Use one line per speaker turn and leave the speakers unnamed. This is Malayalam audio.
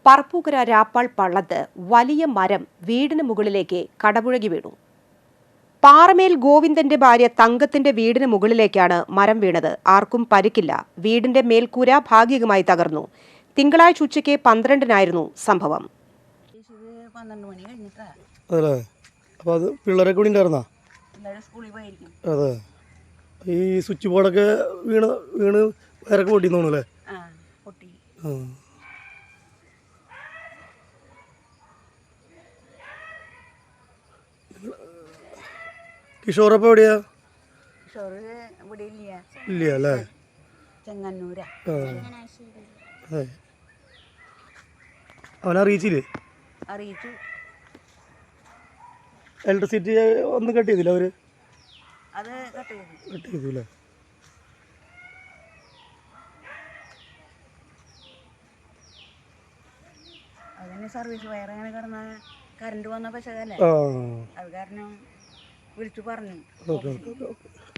പറപ്പൂക്കര രാപ്പാൾ പള്ളത്ത് വലിയ മരം വീടിന് മുകളിലേക്ക് കടപുഴകി വീണു. പാറമേൽ ഗോവിന്ദന്റെ ഭാര്യ തങ്കത്തിന്റെ വീടിന് മുകളിലേക്കാണ് മരം വീണത്. ആർക്കും പരിക്കില്ല. വീടിന്റെ മേൽക്കൂര ഭാഗികമായി തകർന്നു. തിങ്കളാഴ്ച ഉച്ചയ്ക്ക് 12-നായിരുന്നു സംഭവം.
അതെ, ഈ സ്വിച്ച് ബോർഡൊക്കെ വീണ് വയറൊക്കെ പൊട്ടിന്ന് തോന്നുന്നു അല്ലേ? കിഷോറപ്പം എവിടെയാ? ഇല്ല അല്ലേ? അവനറിയിച്ചില്ലേ?
അറിയിച്ചു.
ഇലക്ട്രിസിറ്റി ഒന്നും കട്ട് ചെയ്തില്ല അവര്?
അത് കട്ട്
ചെയ്തു അല്ലേ?
അതിന് സർവീസ് വയർ അങ്ങനെ കിടന്ന കറണ്ട് വന്ന പശകല്ലേ, അത് കാരണം വിളിച്ചു പറഞ്ഞു.